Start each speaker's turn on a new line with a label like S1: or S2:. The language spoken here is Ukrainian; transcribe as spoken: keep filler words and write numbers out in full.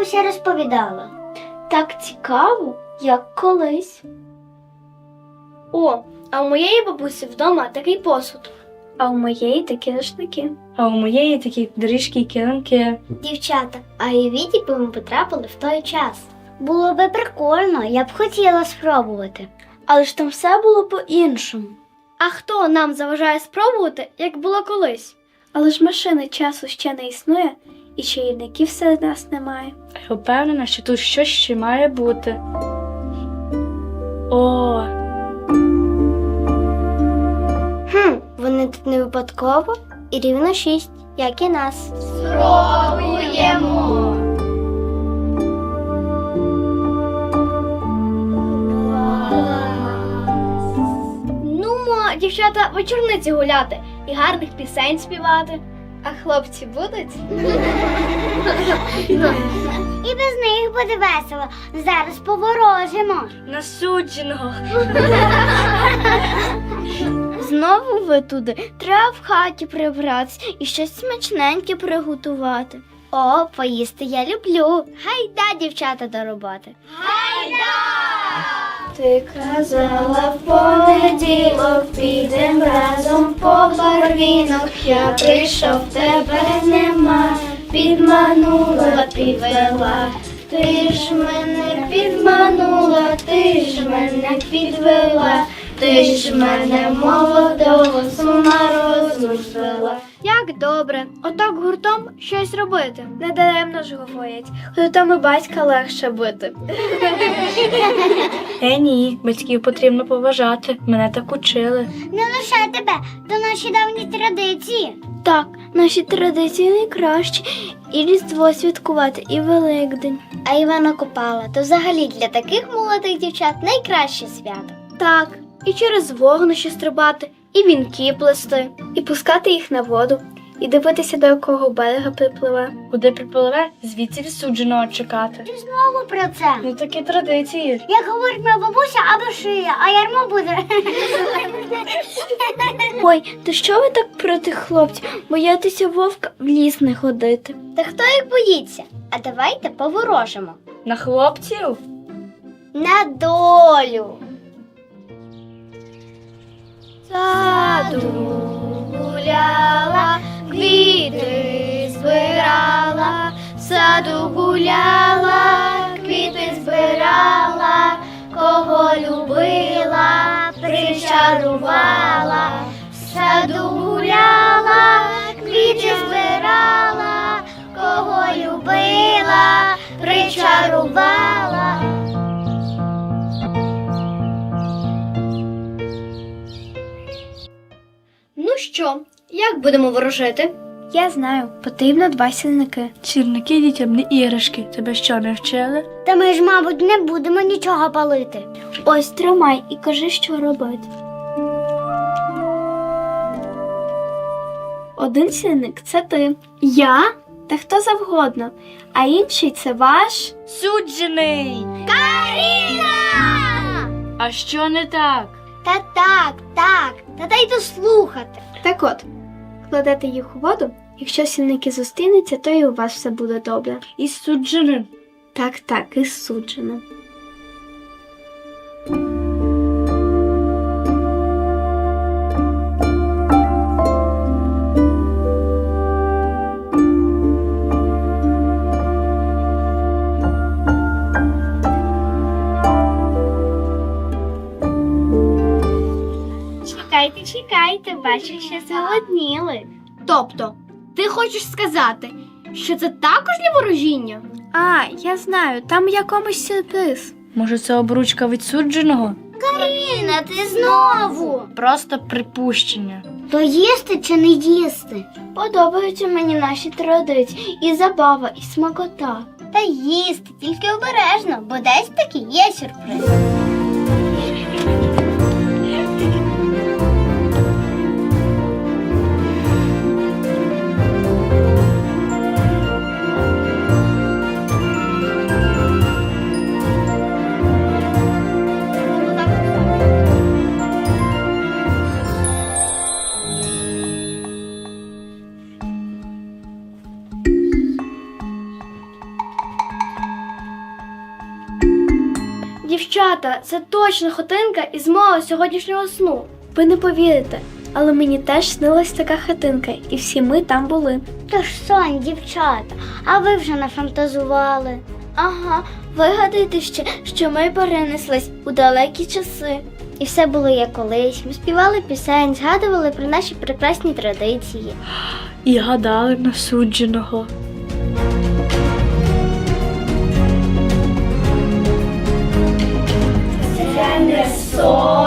S1: бабуся розповідала.
S2: Так цікаво, як колись. О, а у моєї бабусі вдома такий посуд. А у моєї такі рушники.
S3: А у моєї такі доріжки і килимки.
S1: Дівчата, а уявіть, якби ми потрапили в той час. Було би прикольно, я б хотіла спробувати.
S2: Але ж там все було по-іншому. А хто нам заважає спробувати, як було колись? Але ж машини часу ще не існує, і чарівників серед нас немає.
S3: Я впевнена, що тут щось ще має бути. О,
S1: Хм, вони тут не випадково і рівно шість, як і нас.
S2: Спробуємо! Нумо, дівчата, вечорниці гуляти і гарних пісень співати. А хлопці будуть?
S1: І без них буде весело. Зараз поворожимо.
S3: насудженого.
S2: Знову ви туди. Треба в хаті прибратися і щось смачненьке приготувати.
S1: О, поїсти я люблю. Гайда, дівчата, до роботи.
S2: Ти казала в понеділок, підем разом по барвінок. Я прийшов, тебе нема, підманула, підвела. Ти ж мене підманула, ти ж мене підвела. Ти ж мене молодого з ума розум звела. Як добре, отак гуртом щось робити. Не даремно ж говорять, гуртом і батька легше бити.
S3: Е, ні, батьків потрібно поважати. Мене так учили.
S1: Не лише тебе, то наші давні традиції.
S2: Так, наші традиції найкращі. І Різдво святкувати, і Великдень.
S1: А Івана Купала то взагалі для таких молодих дівчат найкраще свято.
S2: Так, і через вогнище стрибати, і вінки плести, і пускати їх на воду, і дивитися, до якого берега припливе.
S3: Куди припливе, звідси відсудженого чекати.
S1: Ти знову про це.
S3: Ну такі традиції.
S1: Як говорить моя бабуся, аби шия, а ярмо буде.
S2: Ой, то що ви так проти хлопців? Боятися вовка в ліс не ходити.
S1: Та хто їх боїться? А давайте поворожимо.
S3: На хлопців?
S1: На долю.
S2: Саду гуляла, квіти збирала, в саду гуляла, квіти збирала, кого любила, причарувала, в саду гуляла, квіти збирала, кого любила, причарувала. Ну що, як будемо ворожити? Я знаю, потрібно два сірники.
S3: Сірники дітям не іграшки. Тебе що, не вчили?
S1: Та ми ж, мабуть, не будемо нічого палити.
S2: Ось тримай і кажи, що робити. Один сірник – це ти. Я? Та хто завгодно. А інший – це ваш...
S3: Суджений!
S1: Каріна!
S3: А що не так?
S1: Та так, так, та дай дослухати.
S2: Так от, кладете їх у воду, якщо сірники зустрінуться, то і у вас все буде добре.
S3: Із судженим.
S2: Так, так, і суджено. Чекайте, чекайте, бачу, що зголодніли. Тобто, ти хочеш сказати, що це також для ворожіння? А, я знаю, там якомусь сюрприз.
S3: Може, це обручка від судженого?
S1: Каріна, ти знову.
S3: Просто припущення.
S1: То їсти чи не їсти?
S2: Подобаються мені наші традиції, і забава, і смакота.
S1: Та їсти, тільки обережно, бо десь таки є сюрприз.
S2: Дівчата, це точно хатинка із мого сьогоднішнього сну. Ви не повірите, але мені теж снилась така хатинка, і всі ми там були.
S1: Тож сон, дівчата, а ви вже нафантазували.
S2: Ага, вигадайте ще, що ми перенеслись у далекі часи.
S1: І все було як колись. Ми співали пісень, згадували про наші прекрасні традиції.
S3: І гадали на судженого.
S2: Це не сон.